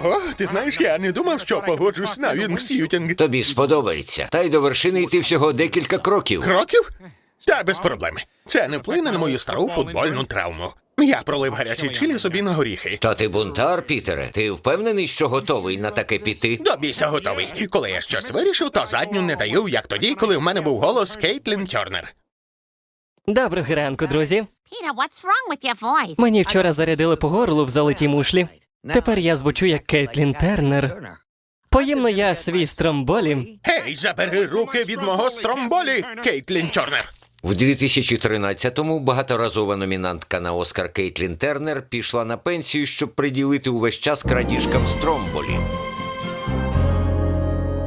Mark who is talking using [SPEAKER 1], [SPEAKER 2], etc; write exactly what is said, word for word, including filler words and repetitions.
[SPEAKER 1] Ого, ти знаєш, я не думав, що погоджусь на вінгс'ютінг.
[SPEAKER 2] Тобі сподобається. Та й до вершини йти всього декілька кроків.
[SPEAKER 1] Кроків? Та без проблем. Це не вплине на мою стару футбольну травму. Я пролив гарячий чилі собі на горіхи.
[SPEAKER 2] Та ти бунтар, Пітере. Ти впевнений, що готовий на таке піти?
[SPEAKER 1] До біса готовий. Коли я щось вирішив, то задню не даю, як тоді, коли в мене був голос Кейтлін Тернер.
[SPEAKER 3] Доброго ранку, друзі.
[SPEAKER 4] Peter, what's wrong with your voice?
[SPEAKER 3] Мені вчора зарядили по горлу в золотій мушлі. Тепер я звучу як Кейтлін Тернер. Поїмно я свій стромболі.
[SPEAKER 1] Гей, забери руки від мого стромболі, Кейтлін Тернер.
[SPEAKER 2] В дві тисячі тринадцятому багаторазова номінантка на Оскар Кейтлін Тернер пішла на пенсію, щоб приділити увесь час крадіжкам стромболі.